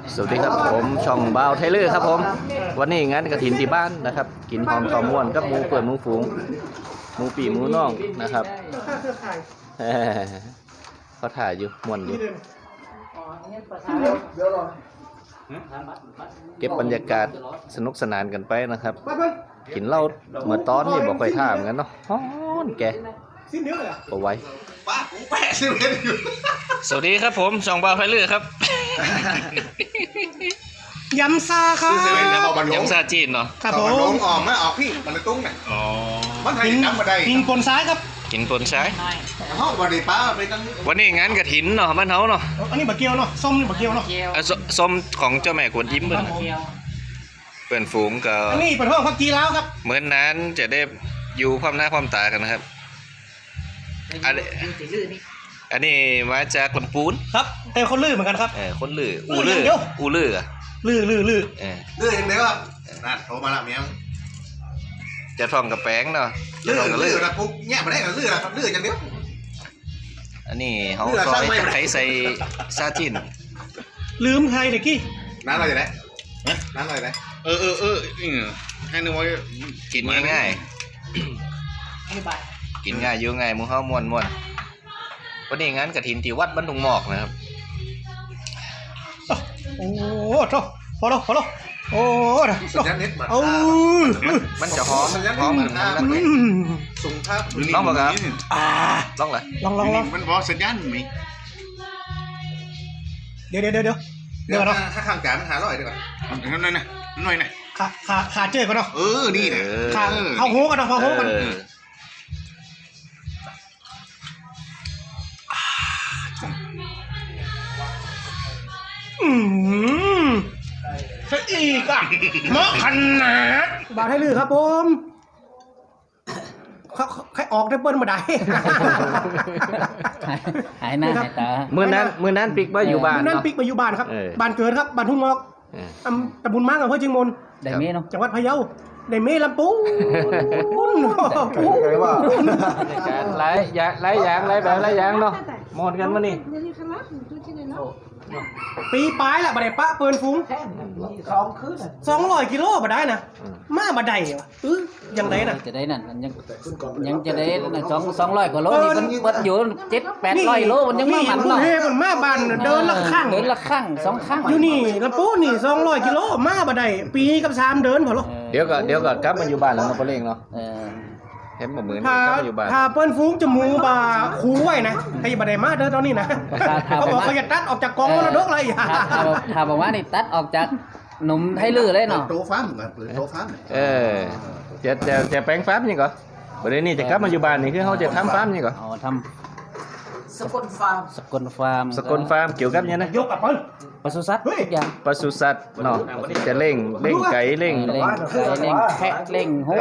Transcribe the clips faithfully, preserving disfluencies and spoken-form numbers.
สวัสดีครับผมช่องบ่าวไทเลอร์ครับผมวันนี้งานกระถินที่บ้านนะครับกินหอมต่อม่วนกับหมูเปิดหมูฝูงหมูปีหมูน่องนะครับเขาถ่ายอยู่ม่วนอยู่เก็บบรรยากาศสนุกสนานกันไปนะครับกินเหล้าเมื่อตอนนี่บอกค่อยท่ามกันเนาะฮ้อนแกเอาไว้สวัสดีครับผมช่องบ่าวไทเลอร์ครับยำซาครับยำซาจีนเนาะครับผมลมงออกมาออกพี่มันเลยตุ้งเนี่ยอ๋อมันไทยน้ำมาได้กินปนซ้ายครับกินปนซ้ายห้องบริป้าไปตั้งวันนี้งานกระถินเนาะบ้านเฮาเนาะอันนี้บะเกียวเนาะส้มนี่บะเกียวเนาะส้มของเจ้าแม่กวนยิ้มเปิ้นเปิ้นฝูงกับอันนี้เป็นห้องพักกีแล้วครับเหมือนนั้นจะได้อยู่ความหน้าความตากันนะครับอันนี้อันนี้มาจากลำพูนครับแต่คนลื่นเหมือนกันครับเออคนลื่ออูลื่ออูลื่ออะลื่อลื่อลื่อเออลื่ออย่างเดียวครับนั่นโทรมาละเมียจะท่องกับแป้งเนาะลื่อลื่อนะปุ๊บแง่มาได้กับลื่อนะครับลื่ออย่างเดียวอันนี้เขาซอยตะไคร้ใส่ซาจินลืมใครเด็กกี้น้ำอะไรอยู่ไหนน้ำอะไรไหนเออเออเออให้นึกว่ากินง่ายกินง่ายอยู่ง่ายมูเฮาม่วนม่วนวันนี้งานกฐินที่วัดบ้านดุงหมอกนะครับโอ้โหโถ่พอแล้วพอแล้วโอ้โหโอ้มันจะหอมหอมมันนะส่งภาพลองบ่ครับลองเลยลองลองลองมันบอกสัญญาณมีเดี๋ยวเดี๋ยวเดี๋ยวเดี๋ยวเดี๋ยวเนาะถ้าข้างการมันหาร้อยดีกว่าหน่อยนะหน่อยนะขาขาขาเจ๊กันเนาะเออนี่เนี่ยขาเขาโหกันเนาะเขาโหกันอืมซะอีกอ่ะเหมาะขนาดบาทให้ลือครับผมเขาใครออกได้เปิ้ลมาได้หายหน้าหายตาเมื่อนั้นเมื่อนั้นปิกมาอยู่บ้านเมื่อนั้นปิกมาอยู่บ้านครับบ้านเกิดครับบ้านทุ่งงอกตำบลมั่งอำเภอเชียงมนได้เมย์เนาะจังหวัดพะเยาได้เมย์ลำปูนหลายอย่างหลายอย่างหลายแบบหลายอย่างเนาะหมดกันมานี่ปีปลายละบัดได้ปะเปิลฟุ้งสองร้อยกิโลบัดได้นะมาบัดได้วะเออยังได้นะจะได้นั่นยังยังจะได้สองสองร้อยกว่าโลนี่มันเบิดอยู่เจ็ดแปดร้อยโลมันยังมาหมันเนาะเฮ้ยมันมาบ้านเดินละข้างเดินละข้างสองข้างอยู่นี่ลำปูนี่สองร้อยกิโลมาบัดได้ปีกับสามเดินพอหรอเดี๋ยวก็เดี๋ยวก็กลับมาอยู่บ้านแล้วเนาะเปล่งเนาะเห็นบ่เหมือนกลับมาอยู่บ้านถ้าเปิ้นฟุ้งจะมูบาคูไว้นะใครบัดได้มาเด้อตอนนี้นะเขาบอกเขาจะตัดออกจากกองมรดกเลยถ้าถ้าบอกว่านี่ตัดออกจากหนุ่มไทลือเลยเนาะโตฟ้าเหมือนหรือโตฟ้าเออจะจะจะแปลงฟาร์มยังก่อนประเด็นนี้จะกลับมาอยู่บ้านนี่คือเขาจะทำฟาร์มยังก่อนอ๋อทำสกลฟาร์มสกลฟาร์มสกลฟาร์มเกี่ยวกับยังนะยกกับเปิ้ลปศุสัตว์ทุกอย่างปศุสัตว์เนาะจะเล่งเล่งไก่เล่งเล่งไก่เล่งแพะเล่งโห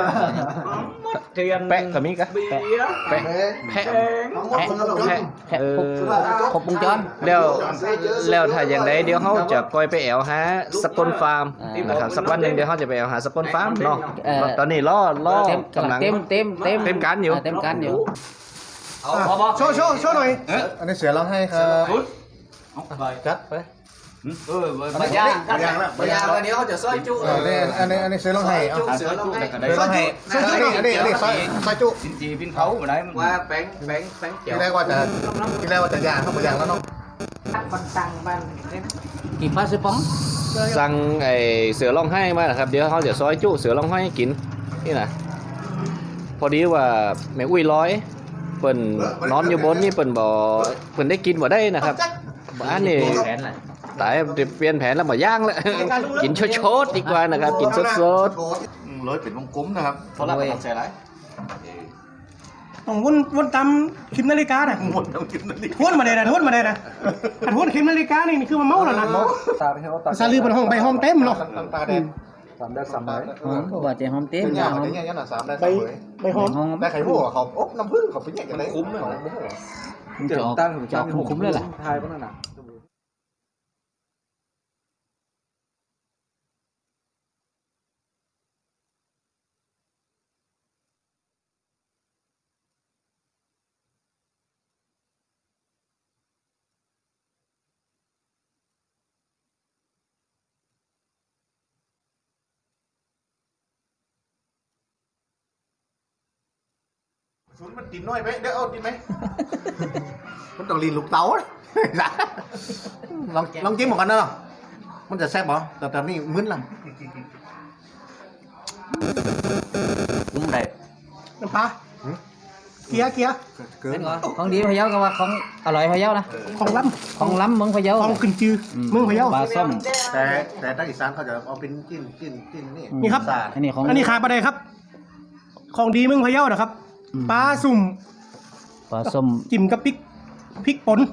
แปะก็มีกะแปะแปะแพะแพะแพะแพะครบวงจรแล้วแล้วถ้าอย่างไรเดี๋ยวเขาจะปล่อยไปแอวหาสกลฟาร์มนะครับสักวันหนึ่งเดี๋ยวเขาจะไปแอวหาสกลฟาร์มเนาะตอนนี้ล่อล่อกำลังเต็มเต็มเต็มเต็มการอยู่เต็มการอยู่โชว์โชว์โชว์หน่อยอันนี้เสือร้องให้ครับจัดไปเออมาย่างมาย่างแล้วมาย่างแล้วเดี๋ยวเขาจะซอยจุอันนี้อันนี้อันนี้เสือร้องให้เอาเสือร้องให้เสือร้องให้อันนี้อันนี้อันนี้ซอยซอยจุจีพินเขามาได้ว่าแป้งแป้งแป้งเจียวที่แรกว่าจะที่แรกว่าจะย่างเข้ามาย่างแล้วเนาะบันตังบันกี่ปลาซื้อป๋องสั่งไอเสือร้องให้มาครับเดี๋ยวเขาจะซอยจุเสือร้องให้กินนี่นะพอดีว่าแม่อุ้ยร้อยเปิ่นนอนอยู่บนนี่เปิ่นบ่เปิ่นได้กินบ่ได้นะครับบ้านนี่ตายเปลี่ยนแผนแล้วบ่ย่างแล้วกินโชดๆดีกว่านะครับกินสดๆร้อยเป็นวงกลมนะครับเพราะเราต้องใส่ไรต้องวนวนตามคิมนาฬิกาน่ะวนตามคิมนาฬิกาวนมาได้นะวนมาได้นะอันวนคิมนาฬิกานี่คือมันเมาแล้วนะซาลือเป็นห้องใบห้องเต็มเนาะสามได้สามใบหอมบ่เจ๊หอมเต็มหอมเนี่ยเนี่ยสามได้สามใบใบหอมได้ไข่หัวเขาอบน้ำผึ้งเขาเป็นอย่างไรคุ้มเลยจะตั้งจะคุ้มเลยแหละทายก็นั่นน่ะศูนย์มันติดน้อยไปเดี๋ยวเอาติดไหมมันต้องลีนลูกเต๋าลองลองจิ้มเหมือนกันนะมันจะแซ่บเหรอแต่ตอนนี้มึนละ cũng đẹp น้ำปลาเกียร์เกียร์เกิน con đi phải giáo các bạn không à loại phải giáo nè ของล้ không lắm muốn phải ำ giáo ของขึ้นจือมึงพะเยาปลาส้มแต่แต่ทางอีสานเขาจะเอาเป็นจิ้นจิ้นจิ้นนี่นี่ครับสาดอันนี้ของอันนี้ขาปลาใดครับ ของดีมึงพะเยานะครับปลาสุ่มปลาส้มจิ้มกับพริกพริกป่น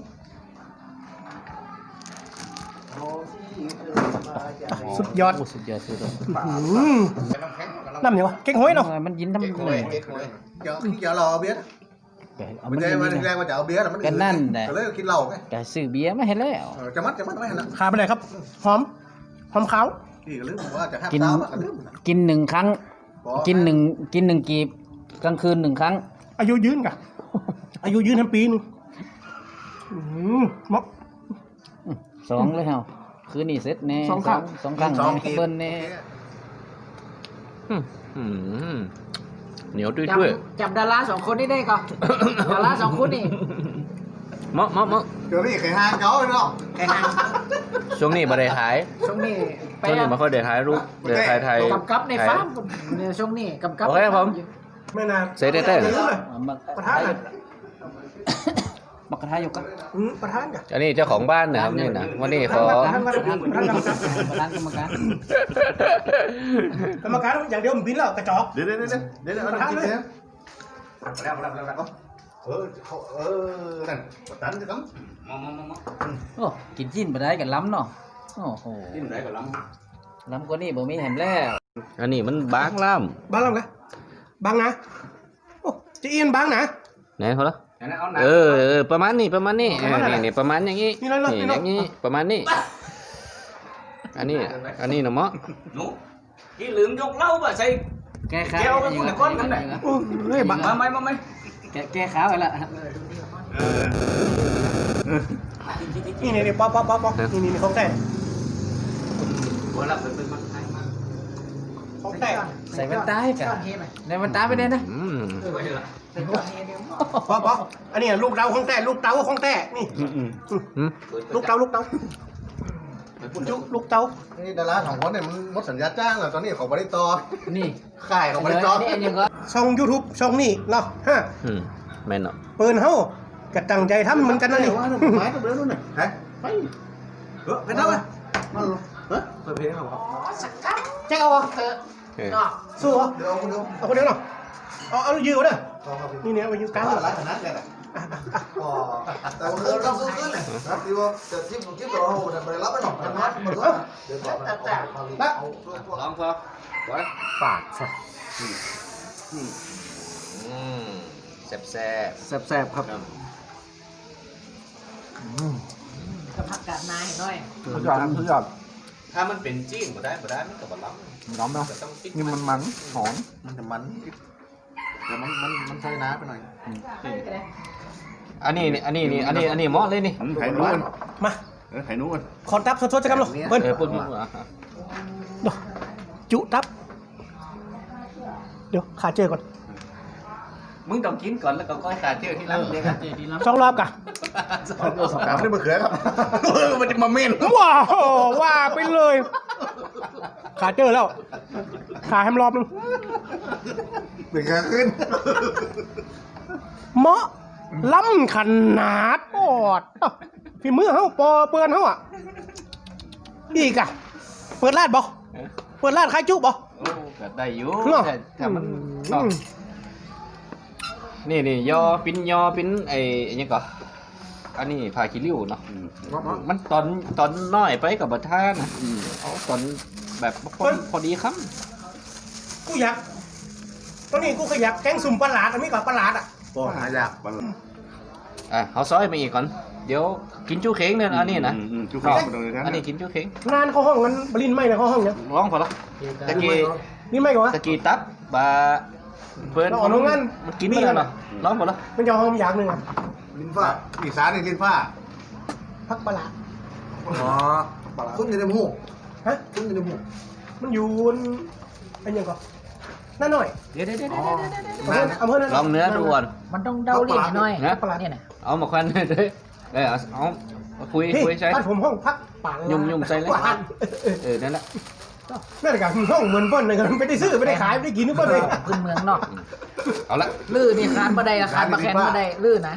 สุดยอดโอ้สุดยอดสุดยอดอืมน้ำเหนียวะเก๊กห้อยเนาะมันยินทำเก๊กเลฮอยยเก๊กฮอยเดี๋ยวเดี๋ยวรอเบียร์เอามัมัน นจะยินมันนี่แรนะกว่าจะเอาเบียร์มันก็นั่นแหละก็เลยกินเหล้าไงแต่ซื้อเบียร์ไม่เห็นแล้วเออจะมัดจะมัดไม่เห็นละขาปลาใดครับ หอม หอมขาวพี่ก็ลืมว่าจะห้ามกินเท้าก็ลืมกินหนึ่งครั้ง กินหนึ่งกินหนึ่งกีบกลางคืนหนึ่งครั้งอายุยืนกะ อายุยืนทั้งปีนึงอืมเหมาะสองเลยเหรอคืนนี้เสร็จแน่สองครั้งสองครั้งสองแน่เบิ้ลแน่อืมอืมเหนียวด้วยด้วยจำดาราสองคนนี้ได้ก่อน ดาราสองคนนี่เมาะเมาะเมาะเดี๋ยวนี่ไข่ห้างเขาเนาะแค่นั้นช่วงนี้บ่ได้ขายช่วงนี้ไปช่วงนี้ไม่ค่อยได้ขายรูปเดี๋ยวขายไทยกำกับในฟาร์มเนี่ยช่วงนี้กำกับโอเคครับผมไม่นานเสร็จได้แต่ลืมเลยมาประธานน่ะมากระทายอยู่กันอืมประธานกะอันนี้เจ้าของบ้านนะครับนี่นะวันนี้ขอประธานประธานประธานกรรมการประธานกรรมการกรรมการอย่างเดียวมันบินแล้วกระจอกเดี๋ยวเดี๋ยวเดี๋ยวเดี๋ยวเดี๋ยวเอาน้ำจิ้มเนี่ยแล้วแล้วแล้วแล้วเออเขาเออนั่นประตันจะต้องโอ้กินจิ้นไปได้กันล้ำเนาะโอ้โหจิ้มไหนก็ล้ล้ำกว่านี้บ่มีแหมแล้วอันนี้มันบางล่บางแล้วไงบางนะโอ้จะเอียนบางนะำไหนเขาละเออเออประมาณนี้ประมาณนี้เออนี่นี่ประมาณอย่างนี้นี่เลยเลยนี่นี่อเลยย่างนี้ประมาณนี้ อันนี้อันนี้นะเมาะ cái lượng dốc lâu mà xây แก้ขาว kéo cái con này con cái này โอ้เฮ้ยบาง mà mày mà mày แก้แก้ขาวไปละนี่นี่นี่ป๊อปป๊อปป๊อปป๊อปนี่นี่นี่ของแต่ gọi là mình mình mình hay mà ของแต่ใส่แว่นตาให้กันในแว่นตาไปได้นะอืมป๊อปป๊อปอันนี้ลูกเตาของแต่ลูกเตาของแต่นี่อืมอืมลูกเตาลูกเตาลูกลูกเตาำนี่ดาราสองคนเนี่ยมันหมดสัญญาจ้างแล้วตอนนี้เขาบริตอนี่ค่ายเขาบริตอนี่อันยังก็ช่อง YouTube ช่องนี้เนาะฮะอืมแม่นเนาะเปิดเฮากะตั้งใจทำเหมือนกันนะนี่ว่าไม้ตัวเดียวนู่นน่ะฮะไปเออไปนั่งเลยนั่งลงเฮ้ยเปิดเพลงเหรอครับแจ็คเอาเหรอเออสู้เหรอเดี๋ยวเอาคนเดียวเอาคนเดียวเนาะเอาเอายืดเอาเด้อเอาครับนี่เนี่ยเอายืดกลางร้านขนาดนี้แหละอ๋อแต่ว่าเราต้องซื้อขึ้นเลยนะที่ว่าจะจิ้มจิ้มเราเอาแต่ไปรับไม่หรอกนะมันก็เดี๋ยวก่อนนะเอาเอาลองพอไว้ปากสัอืมแซ่บแซ่บแซ่บๆครับกับผักกาดนายหน่อยทุกอย่างทุกอย่างถ้ามันเป็นจีนบ่ได้บ่ได้มันก็บ่ล้ำน้ำเนาะก็ต้องปิดนี่มันมันหอมมันจะมันแต่มันมันมันใช้น้ำไปหน่อยอันนี้นี่อันนี้นี่อันนี้อันนี้เหมาะเลยนี่ไข่นู้นมาเออไข่นู้นขอตับสดๆจะกันหรอเบิ้ลเออพูดพูดอ่ะเดี๋ยวจุตับ เดี๋ยวขาเจอก่อนมึงต้องกินก่อนแล้วก็ค่อยขาเที่ยวที่หลังเดี๋ยวกันสองรอบกะสองตัวสองน้ำนี่มะเขือครับมันจะมาเม่นว้าวว่าไปเลย ขาเจอแล้ว ขาแฮมรอบนึงเป็นขาขึ้นเหมาะล้ำขนาดปอดฝีมือเฮาปอเปือนเฮาอ่ะ อีกอ่ะ เปิดร้านบ่เปิดร้านขายจุบ่โอ้ก็ได้อยู่เนาะแต่ถ้ามันเนาะนี่นี่ยอปิ้นยอปิ้นไอ้ไอ้หยังก็อันนี้ผ้าขี้ริ้วเนาะมันตอนตอนน้อยไปกับบัท่านะเอาตอนแบบพอดีพอดีคกูอยากตอนนี้กูขยักแกงสุ่มปลาหลาดอันนี้กับปลาหลาดอ่ะก็หายากำอ่ะเขาซอยมาอีกก่อนเดี๋ยวกินจู้เค้งเนี่ยอันนี้นะจุกข้าวตรงนี้อันนี้กินจู้เค้งงานเข้าห้องนั้นบรินไม่เลยเข้าห้องเนี่ยร้องพอละตะกี้นี่ไม่ก่อนวะตะกี้ตับบาเปิ้นเราออกโรงงานมันกินไม่ได้เนาะร้องพอละมันจะเอาห้องอย่างหนึ่งอ่ะลิ้นฟ้าอีสานนี่ลิ้นฟ้าพักปลาหลาดอ๋อคุ้มอยู่ในหมูฮะคุ้มอยู่ในหมูมันอยู่อันยังก่อนนั่นหน่อยเดี๋ยวเดี๋ยวเดี๋ยวอำเภออำเภอนั่นลองเนื้อดูก่อนมันต้องเดาลิ้นหน่อยนะเนี่ยนะเอามาควันเลยด้วยเออเอาเอาเอาคุยพี่คุยใช้บ้านผมห้องพักป่ายุ่มยุ่มใส่เลยป่านเออนั่นแหละนั่นแหละกันห้องเหมือนเปิ้ลเลยกันไม่ได้ซื้อไม่ได้ขายไม่ได้กินนึกเปิ้ลเลยพื้นเมืองเนาะเอาละลื่นนี่คานบ่ได้คานบ่แข็งบ่ได้ลื่นนะ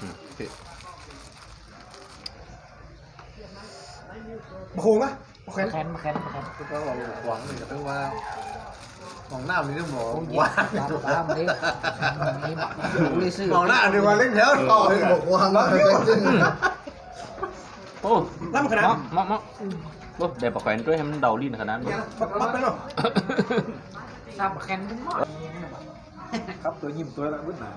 โคงอะโอเคแข็งบ่แข็งบ่แข็งก็บอกหวังเลยแต่ว่าของหน้ามีเรื่องหมอโอ้ยว่าตามนี้นี่บอกอุ้ยซื้อของหน้าดีกว่าเล่นแถวต่อเลยบอกวางมาจริงโอ้ล่ำขนาดมะมะมะโอ้เดี๋ยวปะแขวนด้วยให้มันเดาลิ้นขนาดนั้นปักปักไปเนาะตามบ่แข็งบ่หมดครับตัวยิ้มตัวละวุ้นหนา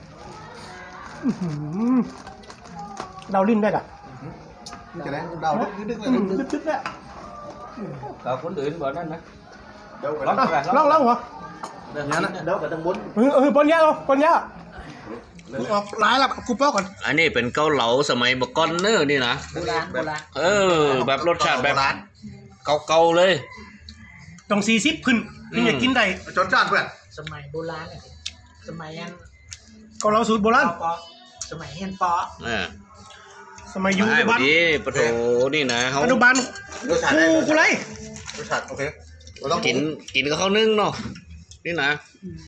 เราลิ้นได้กะจะได้เดาดึกดึกเลยลึกลึกเลยเราคนอื่นบอกนั่นนะเดี๋ยวลองไปลองลองเหรอเดี๋ยวงั้นเดี๋ยวไปทางบนเออเออปนยาเหรอปนยาออกร้ายแล้วกูเป้าก่อนอันนี้เป็นเกาเหลาสมัยบกอนเนอร์นี่นะโบราณโบราณเออ แบบรสชาติแบบเก่าๆเลยต้องสี่สิบขึ้นถึงจะกินได้จดจ้านเพื่อนสมัยโบราณเนี่ยสมัยนั้นก็เราสูตรโบราณสมัยเฮียนปออ่าสมัยยุคไม่ปัจจุบันดีปะโถนี่นะเขาปัจจุบันรสชาติกูได้กูไรรสชาติโอเคกินกินกับข้าวนึ่งเนาะนี่นะ